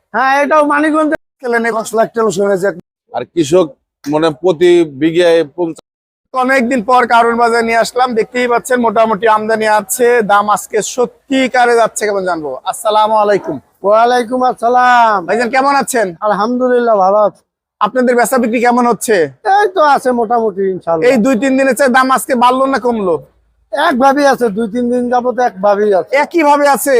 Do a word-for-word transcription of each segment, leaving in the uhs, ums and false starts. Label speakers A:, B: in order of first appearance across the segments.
A: হ্যাঁ, এটাও মানিকগঞ্জ পাঁচ লাখ টাকা শুনেছে।
B: আর কৃষক মানে প্রতি বিঘায় পঞ্চাশ।
A: অনেকদিন পর কারণ বাজার নিয়ে আসলাম, দেখতেই পাচ্ছেন মোটামুটি আমদানি আছে। দাম আজকে সত্যিকারে যাচ্ছে কেমন জানবো। আসসালামু আলাইকুম।
C: ওয়ালাইকুম আসসালাম।
A: ভাইজান কেমন আছেন?
C: আলহামদুলিল্লাহ ভালো আছি।
A: আপনাদের বেচা বিক্রি কেমন হচ্ছে?
C: এই তো আছে মোটামুটি ইনশাআল্লাহ।
A: এই দুই তিন দিনের চেয়ে দাম আজকে বাড়লো না কমলো?
C: একভাবেই আছে, দুই তিন দিন যাবত একভাবেই আছে।
A: একই ভাবে আছে।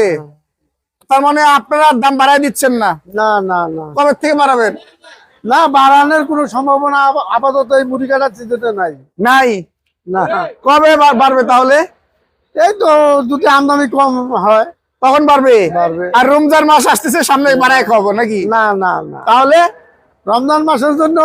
A: তার মানে আপনারা দাম বাড়ায় দিচ্ছেন না?
C: না না না
A: কবে থেকে বাড়াবেন?
C: না, বাড়ানোর কোনো সম্ভাবনা আপ- আপাতত এই মুড়ি কাটার সিজনে নাই।
A: নাই।
C: না,
A: কবে বা- বাড়বে তাহলে?
C: এই তো দুটি আমদানি কম হয়
A: তখন বাড়বে।
C: বাড়বে।
A: আর রমজান মাস আসতেছে সামনে, বাড়ায় খাবো নাকি?
C: না না না
A: তাহলে
C: রমজান মাসের জন্য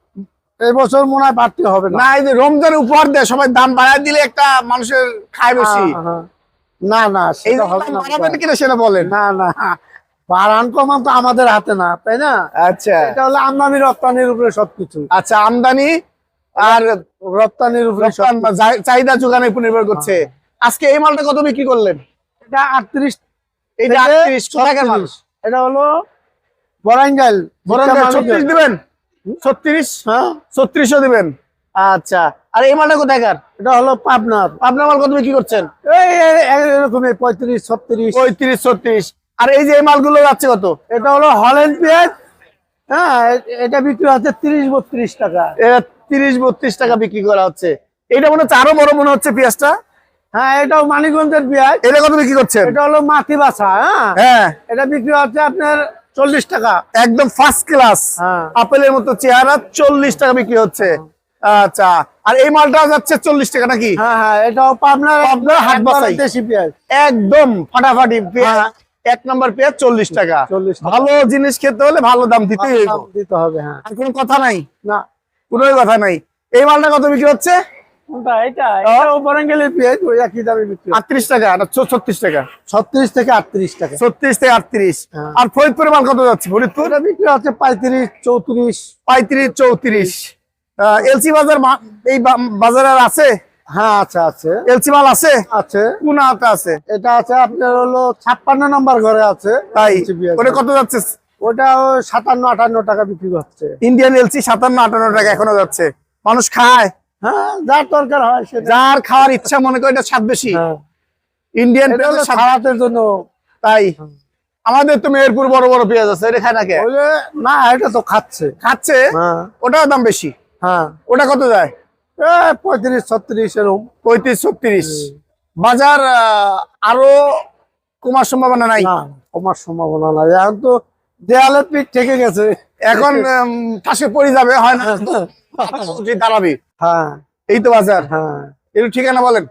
C: এই বছর মনে হয় বাড়তে হবে না।
A: না, এই যে রমজান উপহার দেয় সবাই, দাম বাড়ায় দিলে একটা মানুষের খায় বেশি।
C: হ্যাঁ, হ্যাঁ। না না
A: এই
C: সেটা
A: যে
C: হবে
A: দাম
C: না।
A: বাড়াবেন কিনা সেটা বলেন।
C: না না বাড়ান কমান তো আমাদের হাতে না, তাই না?
A: আচ্ছা
C: এটা হলো আমদানি রপ্তানির উপরে সবকিছু।
A: আচ্ছা, আমদানি আর
C: রপ্তানির উপরে সব-
A: রপ্তানি বা চাই- চাহিদা যোগানের উপর নির্ভর করছে। আজকে এই মালটা কত বিক্রি করলেন?
C: এটা আটত্রিশ
A: এইটা
C: থেকে
A: আটত্রিশ টাকার মাল।
C: ছত্রিশ। এটা হলো বরাঙ্গাইল।
A: বরং
C: জিট্টা
A: ছত্রিশ
C: মালিকের।
A: দিবেন? ছত্রিশ?
C: হ্যাঁ,
A: ছত্রিশও দিবেন? আচ্ছা, আর এই মালটা কোথাকার?
C: এটা হলো পাবনার।
A: আপনার মাল কত বিক্রি করছেন?
C: এই এই- এরকমই পঁয়ত্রিশ ছত্রিশ।
A: পঁয়ত্রিশ ছত্রিশ। আর এই যে এই মালগুলো যাচ্ছে কত?
C: এটা হলো হল্যান্ড পেঁয়াজ। হ্যাঁ, এ- এটা বিক্রি হচ্ছে তিরিশ বত্রিশ টাকা।
A: এটা তিরিশ বত্রিশ টাকা বিক্রি করা হচ্ছে। এটা মনে হচ্ছে আরো বড় মনে হচ্ছে পেঁয়াজটা।
C: হ্যাঁ, এটাও মানিকগঞ্জের পেঁয়াজ।
A: এটা কত বিক্রি করছেন?
C: এটা হলো মাটি বাছা। হ্যাঁ,
A: হ্যাঁ,
C: এটা বিক্রি হচ্ছে আপনার চল্লিশ টাকা।
A: একদম ফার্স্ট ক্লাস
C: হ্যাঁ।
A: আপেলের মতো চেহারা, চল্লিশ টাকা বিক্রি হচ্ছে। আচ্ছা, আর এই মালটা যাচ্ছে চল্লিশ টাকা নাকি?
C: হ্যাঁ হ্যাঁ, এটাও পাবনার
A: পাবনার হাট
C: একবারে
A: বাছাই।
C: দেশি পেঁয়াজ।
A: একদম ফাটাফাটি পেঁয়াজ। এক নম্বর পেঁয়াজ চল্লিশ টাকা।
C: চল্লিশ টাকা।
A: ভালো জিনিস খেতে হলে ভালো দাম দিতেই হইব।
C: দাম দিতে হবে। হ্যাঁ,
A: আর কোনো কথা নাই,
C: না
A: কোনো কথা নাই। এই মালটা কত বিক্রি হচ্ছে?
C: কোনটা? এটা এটাও বরাঙ্গাইলের পেঁয়াজ, ওই একই দামে বিক্রি হয়।
A: আটত্রিশ টাকা না ছত্রিশ টাকা?
C: ছত্রিশ থেকে আটত্রিশ টাকা।
A: ছত্রিশ থেকে আটত্রিশ।
C: হ্যাঁ।
A: আর ফরিদপুরের মাল কত যাচ্ছে? ফরিদপুর
C: এটা বিক্রি হচ্ছে পঁয়ত্রিশ চৌত্রিশ।
A: পঁয়ত্রিশ চৌত্রিশ। এলসি বাজার মা- এই বা- বাজারে আর আছে?
C: হ্যাঁ, আছে আছে
A: এলসি মাল আছে?
C: আছে।
A: কোন হাতে আছে?
C: এটা আছে আপনার হলো ছাপ্পান্ন নম্বর ঘরে আছে।
A: তাই
C: এলসি পেঁয়াজ।
A: ওটা কত যাচ্ছে?
C: ওটা ওই সাতান্ন আটান্ন টাকা বিক্রি হচ্ছে।
A: ইন্ডিয়ান এলসি সাতান্ন আটান্ন টাকা এখনো যাচ্ছে। মানুষ খায়,
C: হ্যাঁ, যার দরকার হয় সেটা।
A: যার খাওয়ার ইচ্ছা মনে করে এটা স্বাদ বেশি।
C: হ্যাঁ,
A: ইন্ডিয়ান
C: এটা হলো
A: পেঁয়াজের স্বাদ।
C: সালাতের জন্য।
A: তাই আমাদের তো মেহেরপুর বড় বড় পেঁয়াজ আছে, এটা খায় না কে?
C: ওই যে, না এটা তো খাচ্ছে।
A: খাচ্ছে,
C: হ্যাঁ
A: ওটাও দাম বেশি।
C: হ্যাঁ,
A: ওটা কত যায়?
C: এ পঁয়ত্রিশ ছত্রিশ এরকম।
A: পঁয়ত্রিশ ছত্রিশ। বাজার আহ, আরো কমার সম্ভাবনা নাই?
C: না, কমার সম্ভাবনা নাই। এখন তো দেয়ালের পিঠ থেকে গেছে।
A: এখন উম, ঠাসে পড়ে যাবে, হয় না? তুই দাঁড়াবি।
C: হ্যাঁ
A: এই তো বাজার।
C: হ্যাঁ,
A: একটু ঠিকানা বলেন।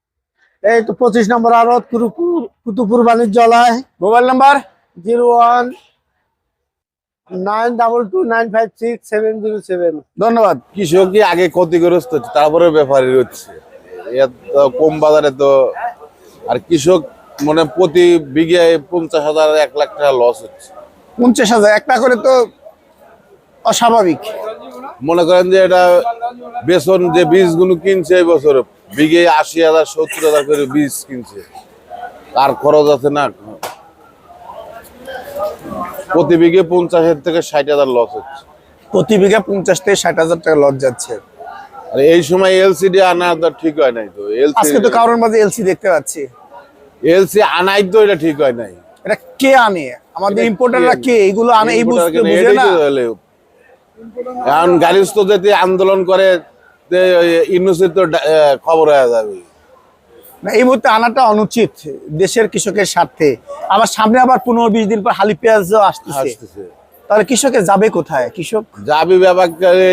C: এই তো পঁচিশ নম্বর আড়ত কুতুপুর কুতুপুর বাণিজ্যালয়।
A: Mobile number?
C: Zero one nine double two nine five six seven zero seven.
A: ধন্যবাদ।
B: কৃষকই আগে ক্ষতিগ্রস্ত হচ্ছে, তারপরে ব্যাপারী হচ্ছে। এত কম বাজারে তো। আর কৃষক মানে প্রতি বিঘায় পঞ্চাশ হাজার এক লাখ টাকা লস হচ্ছে।
A: পঞ্চাশ হাজার একটা করে তো অস্বাভাবিক।
B: মনে করেন যে এটা বেসন যে বীজগুলো কিনছে এই বছর বিঘে আশি হাজার সত্তর হাজার করে বীজ কিনছে, আর খরচ আছে না। প্রতি বিঘে পঞ্চাশের থেকে ষাট হাজার লস হচ্ছে।
A: প্রতি বিঘা পঞ্চাশ থেকে ষাট হাজার টাকা লস যাচ্ছে।
B: আর এই সময় এলসিডি আনা তো ঠিক হয় নাই। তো
A: আজকে তো
B: এলসি
A: কারোর মাঝে এলসি দেখতে পাচ্ছি।
B: এলসি আনাই তো এটা ঠিক হয় নাই।
A: এটা কে আনে? আমাদের
B: এটা
A: ইম্পোর্টাররা
B: কে
A: কে এগুলো আনে? এই
B: ইম্পোর্টার
A: বুঝতে
B: কেন?
A: বুঝে
B: এটাই
A: না।
B: তো হলো। এখন গাড়ির তো যদি আন্দোলন করে ইউনিভার্সিটি তো ডা- আহ, খবর হয়ে যাবে।
A: না, এই মুহূর্তে আনাটা অনুচিত দেশের কৃষকের স্বার্থে। আবার সামনে আবার পনেরো বিশ দিন পর হালি পেঁয়াজও আসতেছে।
B: আসতেছে
A: তাহলে কৃষকের যাবে কোথায়? কৃষক
B: যাবি ব্যাপার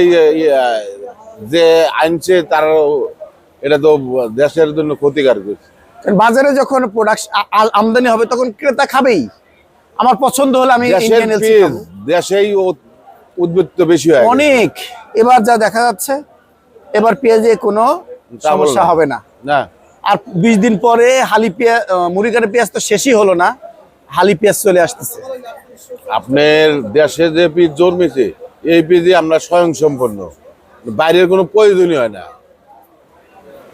B: যে আনছে তার, এটা তো দেশের জন্য ক্ষতিকারক।
A: বাজারে যখন প্রোডাক্ট আমদানি হবে তখন ক্রেতা খাবেই। আমার পছন্দ হলে আমি
B: দেশের
A: ইন্ডিয়ান এলসি
B: পেঁয়াজ
A: খাবো।
B: দেশেই উ- উদ্বৃত্ত বেশি হয়
A: অনেক। এবার যা দেখা যাচ্ছে, এবার পেঁয়াজে কোনো
B: তা বলবো
A: সমস্যা
B: না।
A: হবে না।
B: না।
A: আর বিশ দিন পরে হালি পেঁয়াজ, মুড়িকাটা পেঁয়াজ তো শেষই হলো না, হালি পেঁয়াজ চলে আসতেছে।
B: আপনার দেশে যে বীজ জন্মেছে এই বীজে আমরা স্বয়ং সম্পন্ন, বাইরের কোনো প্রয়োজনই হয় না।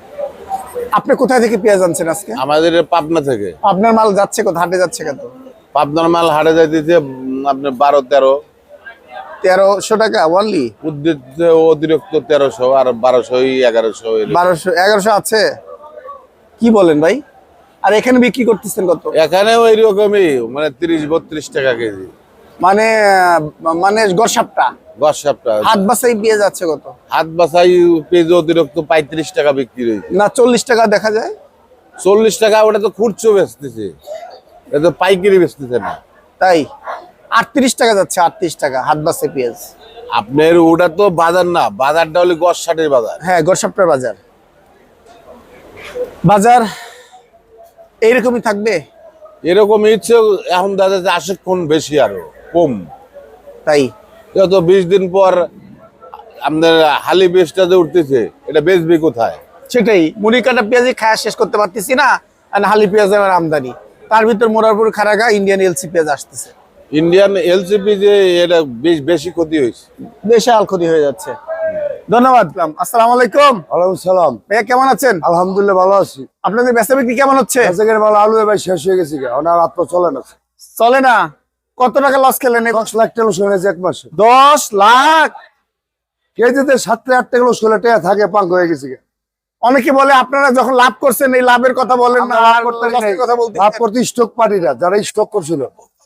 A: আপনি কোথায় থেকে পেঁয়াজ আনছেন আজকে?
B: আমাদের পাবনা থেকে।
A: আপনার মাল যাচ্ছে কোথায়? হাটে যাচ্ছে কত?
B: পাবনার মাল হাটে যাইতেছে উম, আপনার বারো তেরো,
A: তেরোশো টাকা অনলি,
B: উদ্ভিদ অতিরিক্ত তেরোশো আর বারোশো এগারোশো।
A: বারোশো এগারোশো আছে, কি বলেন ভাই? আর এখানে বিক্রি করতেছেন কত?
B: এখানেও এইরকমই, মানে তিরিশ বত্রিশ টাকা কেজি।
A: মানে আহ, মানে গসাপটা
B: গছ সপ্তাহ
A: হাত বাসাই পেঁয়াজ আছে কত?
B: হাত বাছাই পেঁয়াজ অতিরিক্ত পঁয়ত্রিশ টাকা বিক্রি হয়েছে।
A: না চল্লিশ টাকা দেখা যায়।
B: চল্লিশ টাকা ওটা তো খুচরো বেচতেছে, এটা তো পাইকারি বেচতেছে না।
A: তাই আটত্রিশ টাকা যাচ্ছে, আটত্রিশ টাকা হাত বাসাই পেঁয়াজ।
B: আপনার ওটা তো বাজার না, বাজারটা হলে গছ ষাটের বাজার।
A: হ্যাঁ গসাপটার বাজার, বাজার এইরকমই থাকবে।
B: এরকম ইচ্ছে এখন দেখা যাচ্ছে আশিক্ষণ বেশি আরো কম।
A: তাই
B: যত বিশ দিন পর আপনার হালি বেচটা যে উঠতেছে, এটা বেচবি কোথায়?
A: সেটাই, মুড়ি কাটা পেঁয়াজই খায়া শেষ করতে পারতেছি না, আর হালি পেঁয়াজ আমার আমদানি, তার ভিতর মোরারপুর খারাগা ইন্ডিয়ান এলসি পেঁয়াজ আসতেছে।
B: ইন্ডিয়ান এলসিপি যে এটা বেশ বেশি ক্ষতি হয়েছে,
A: বিশাল ক্ষতি হয়ে যাচ্ছে। ধন্যবাদ। আসসালামু আলাইকুম
C: ওয়ালাইকুম সালাম।
A: ভাইয়া, কেমন আছেন?
C: আলহামদুলিল্লাহ ভালো আছি।
A: আপনাদের বেচা বিক্রি কেমন হচ্ছে?
C: আজকের ভালো আলু এবার শেষ হয়ে গেছে, ওনার আত্ম চলে না।
A: চলে না? কত টাকা লস খেলেন?
C: দশ লাখ টাকা লোস হয়েছে এক মাসে।
A: দশ লাখ
C: কেজিতে সাত থেকে আট টাকা লোস হলে টাকা থাকে পাঙ্ক হয়ে গেছে।
A: অনেকে বলে আপনারা যখন লাভ করছেন এই লাভের কথা বলেন না,
C: আমরা লাভ
A: আর
C: করতে
A: লসের কথা বলতে।
C: লাভ করতে স্টক পার্টিরা যারা স্টক করছিল,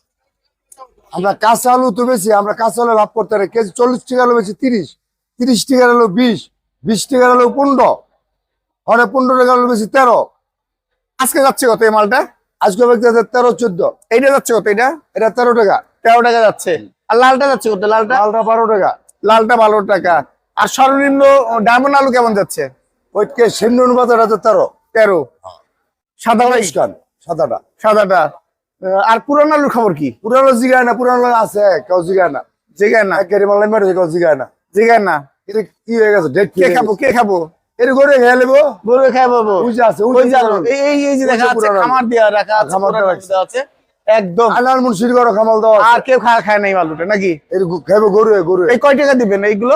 C: আমরা কাঁচা আলু তো বেশি, আমরা কাঁচা আলু লাভ করতে পারি। কেজি চল্লিশ টাকা আলু বেশি তিরিশ, তিরিশ টাকা আলু বিশ, বিশ টাকা আলু পনেরো, হরে পনেরো টাকা আলু বেশি তেরো।
A: আজকে যাচ্ছে কত এই মালটা?
C: আজকে ব্যক্তি তেরো চোদ্দ।
A: এইটা যাচ্ছে কত? এটা
C: এটা তেরো টাকা।
A: তেরো টাকা যাচ্ছে। আর লালটা যাচ্ছে কত? লালটা
C: লালটা বারো টাকা।
A: লালটা বারো টাকা। আর সর্বনিম্ন ডায়মন্ড আলু কেমন যাচ্ছে?
C: ওইটকে সিন্ধু অনুপাত এটা তেরো
A: তেরো। সাদা ভাই,
C: খান সাদাটা।
A: সাদাটা। আহ, আর পুরান আলুর খবর কি?
C: পুরানো জিগায় না, পুরানো আছে কেউ জিগায় না,
A: জিগায় না,
C: একেবারে মালাই মেরেছে কেউ জিগায় না।
A: জিগায় না।
C: এটা কি হয়ে গেছে? ডেট
A: কে খাবো, কে খাবো?
C: এটা করে খেয়ে নেবো।
A: গরু খাই পাবো।
C: ওই যে আছে, ওই
A: ওই
C: যে
A: যে
C: পুরানো।
A: এই এই- এই যে দেখা
C: ওই যে
A: যাচ্ছে
C: পুরানো।
A: খামার দেওয়া রাখা আছে,
C: খামার
A: পুরান
C: দেওয়া
A: আলু দেওয়া আছে একদম।
C: আনার মুন্সির ঘর খামাল দেওয়া আছে।
A: আর কেউ খায় খায় না এই আলুটা নাকি?
C: এর খাইবো গরু গরু
A: এই কয় টাকা দিবেন এইগুলো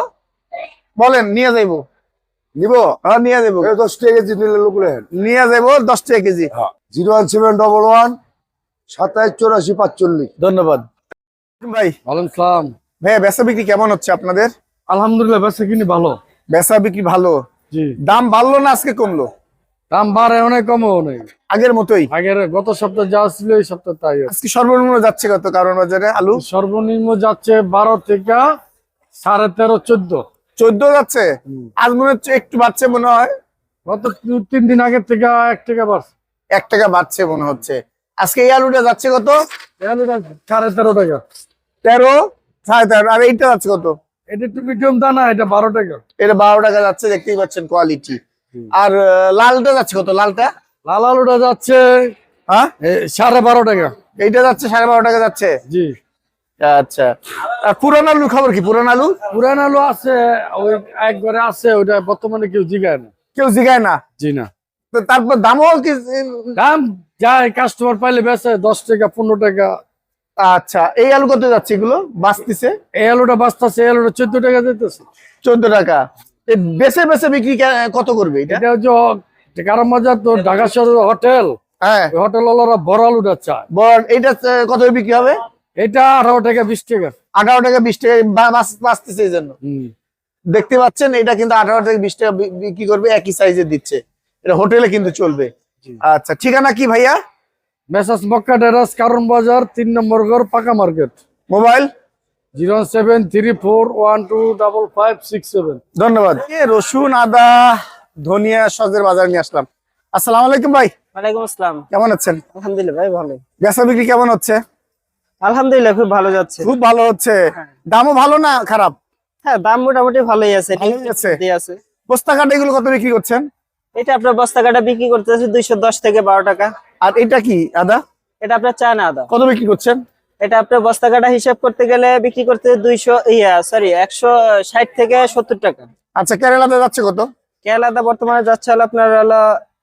A: বলেন? নিয়ে যাইবো,
C: নিব।
A: হ্যাঁ নিয়ে যাবো,
C: এই দশ টাকা কেজি নিলে লোক লেন।
A: নিয়ে যাবো দশ টাকা কেজি।
C: Zero one seven double one সাতাইশ চৌরাশি পাঁচচল্লিশ।
A: ধন্যবাদ ভাই।
D: ওয়ালাইকুম সালাম।
A: ভাইয়া বেচা বিক্রি কেমন হচ্ছে আপনাদের?
D: আলহামদুলিল্লাহ বেচা কিনি ভালো।
A: বেচা বিক্রি ভালো।
D: জি,
A: দাম বাড়লো না আজকে কমলো?
D: দাম বাড়ে অনেক, কমও অনেক।
A: আগের মতোই?
D: আগের গত সপ্তাহ যা ছিল এই সপ্তাহ তাই আছে।
A: আজকে সর্বনিম্ন যাচ্ছে কত কারণ বাজারে আলু?
D: সর্বনিম্ন যাচ্ছে বারো থেকে সাড়ে তেরো চোদ্দ।
A: চোদ্দ যাচ্ছে। আজ মনে হচ্ছে একটু বাড়ছে মনে হয়।
D: গত দু- তিন দিন আগের থেকে এক টাকা বাড়ছে।
A: এক টাকা বাড়ছে মনে হচ্ছে। আজকে এই আলুটা যাচ্ছে কত?
D: এটা সাড়ে তেরো টাকা।
A: তেরো, সাড়ে তেরো। আর এইটা যাচ্ছে কত?
D: এটা একটু মিডিয়াম দানা, এটা বারো টাকা।
A: এটা বারো টাকা যাচ্ছে, দেখতেই পাচ্ছেন কোয়ালিটি। আর আহ, লালটা যাচ্ছে কত? লালটা
D: লাল আলুটা যাচ্ছে
A: হ্যাঁ
D: এ, সাড়ে বারো টাকা।
A: এইটা যাচ্ছে সাড়ে বারো টাকা যাচ্ছে।
D: জি,
A: আচ্ছা। আর পুরান আলু খবর কি? পুরান আলু
D: পুরান আলু আছে, ওই এক ঘরে আছে, ওইটা বর্তমানে কেউ জিগায় না।
A: কেউ জিগায় না?
D: জি না,
A: তো তারপর দামও কি?
D: দাম যায় কাস্টমার পাইলে বেচে দশ টাকা পনেরো টাকা।
A: আচ্ছা, এই আলু কত যাচ্ছে এগুলো বাঁচতেছে?
D: এই আলুটা বাঁচতেছে, এই আলুটা চোদ্দ টাকা দিতেছে।
A: চোদ্দ টাকা। এই বেছে বেছে বিক্রি কে- কত করবে এটা?
D: এটা হচ্ছে কারণ মজার তো ঢাকা শহরের হোটেল,
A: হ্যাঁ
D: হোটেল ওয়ালারা বড় আলুটা চায়।
A: বল, এইটা আহ, কত বিক্রি হবে?
D: এটা আঠারো টাকা বিশ টাকা।
A: আঠারো টাকা বিশ টাকা বা- বাঁচ- বাঁচতেছে এই জন্য।
D: হম,
A: দেখতে পাচ্ছেন এটা কিন্তু আঠারো থেকে বিশ টাকা বি- বিক্রি করবে, একই সাইজে দিচ্ছে। এটা হোটেলে কিন্তু চলবে। আচ্ছা, ঠিকানা কি ভাইয়া?
D: মেসাস মক্কা টেরাস, কারণ বাজার, তিন নম্বর ঘর, পাকা market.
A: Mobile
D: zero seven three four one two double five six seven.
A: ধন্যবাদ। এ, রসুন, আদা, ধনিয়া, সজের বাজার নিয়ে আসলাম। আসসালামু আলাইকুম ভাই,
E: ওয়ালাইকুম আসসালাম।
A: কেমন আছেন?
E: আলহামদুলিল্লাহ ভাই ভালো।
A: বেচা বিক্রি কেমন হচ্ছে?
E: আলহামদুলিল্লাহ খুব ভালো যাচ্ছে।
A: খুব ভালো হচ্ছে। দামও ভালো না খারাপ?
E: হ্যাঁ, দাম মোটামুটি ভালোই আছে।
A: ভালোই আছে।
E: ঠিক আছে।
A: বস্তা কাটা এগুলো কত বিক্রি করছেন?
E: এটা আপনার বস্তা কাটা বিক্রি করতেছে দুইশো দশ থেকে বারো টাকা।
A: আর এটা কি আদা
E: এটা আপনার চা না আদা।
A: কত বিক্রি করছেন?
E: এটা আপনার বস্তা কাটা হিসাব করতে গেলে বিক্রি করতে দুইশো ইয়া সরি একশো ষাট থেকে সত্তর টাকা।
A: আচ্ছা, কেরালাতে যাচ্ছে কত?
E: কেরালাতে বর্তমানে যাচ্ছে হলো আপনার হলো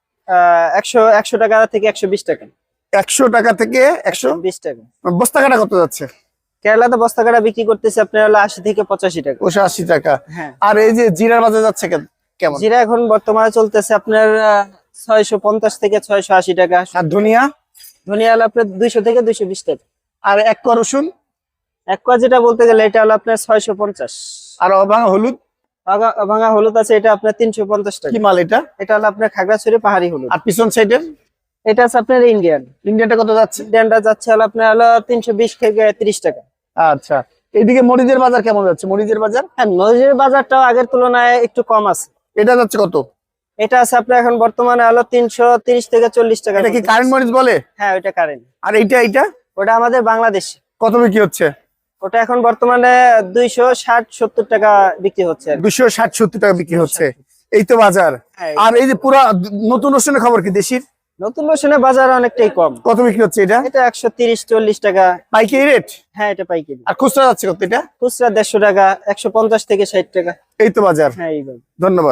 E: আহ একশো একশো টাকা থেকে একশো বিশ টাকা।
A: একশো টাকা থেকে একশো
E: বিশ টাকা।
A: বস্তা কাটা কত যাচ্ছে?
E: কেরালাতে বস্তা কাটা বিক্রি করতেছে আপনার হলো আশি থেকে পঁচাশি টাকা।
A: ওশো আশি টাকা।
E: হ্যাঁ,
A: আর এই যে জিরার বাজার যাচ্ছে কেন- কেমন?
E: জিরা এখন বর্তমানে চলতেছে আপনার ছয়শো পঞ্চাশ থেকে ছয়শো আশি টাকা।
A: আর ধনিয়া?
E: ধনিয়া হলো আপনার দুইশো থেকে দুইশো বিশ টাকা।
A: আর এক কোয়া রসুন,
E: এক কোয়া যেটা বলতে গেলে এটা হলো আপনার ছয়শো পঞ্চাশ।
A: আর অভাঙা হলুদ
E: ভাঙা- ভাঙা হলুদ আছে এটা আপনার তিনশো পঞ্চাশ টাকা।
A: কি মাল এটা?
E: এটা হলো আপনার খাগড়াছড়ি পাহাড়ি হলুদ।
A: আর পিছন সাইডের
E: এটা আছে আপনার ইন্ডিয়ান।
A: ইন্ডিয়ানটা কত যাচ্ছে?
E: ইন্ডিয়ানটা যাচ্ছে হলো আপনার হলো তিনশো বিশ থেকে তিরিশ টাকা।
A: আচ্ছা, এইদিকে মরিচের বাজার কেমন যাচ্ছে? মরিচের বাজার
E: হ্যাঁ, মরিচের বাজারটাও আগের তুলনায় একটু কম আছে।
A: এটা যাচ্ছে কত?
E: এটা আছে আপনার এখন বর্তমানে হলো তিনশো তিরিশ থেকে চল্লিশ টাকা।
A: এটা কি কারেন্ট মরিচ বলে?
E: হ্যাঁ, ওইটা কারেন্ট।
A: আর এইটা এইটা
E: ওটা আমাদের বাংলাদেশে।
A: কত বিক্রি হচ্ছে?
E: ওটা এখন বর্তমানে দুইশো ষাট সত্তর টাকা বিক্রি হচ্ছে আর কি।
A: দুশো ষাট সত্তর টাকা বিক্রি হচ্ছে। এই তো বাজার।
E: হ্যাঁ।
A: আর এই যে পুরা নতুন রসুনের খবর কি দেশির?
E: নতুন রসুনের বাজার অনেকটাই কম।
A: কত বিক্রি হচ্ছে এটা?
E: এটা একশো তিরিশ চল্লিশ টাকা
A: পাইকারি রেট?
E: হ্যাঁ, এটা পাইকারি।
A: আর খুচরা যাচ্ছে কত এটা?
E: খুচরা দেড়শো টাকা, একশো পঞ্চাশ থেকে ষাট টাকা।
A: এই তো বাজার।
E: হ্যাঁ, এইভাবে।
A: ধন্যবাদ।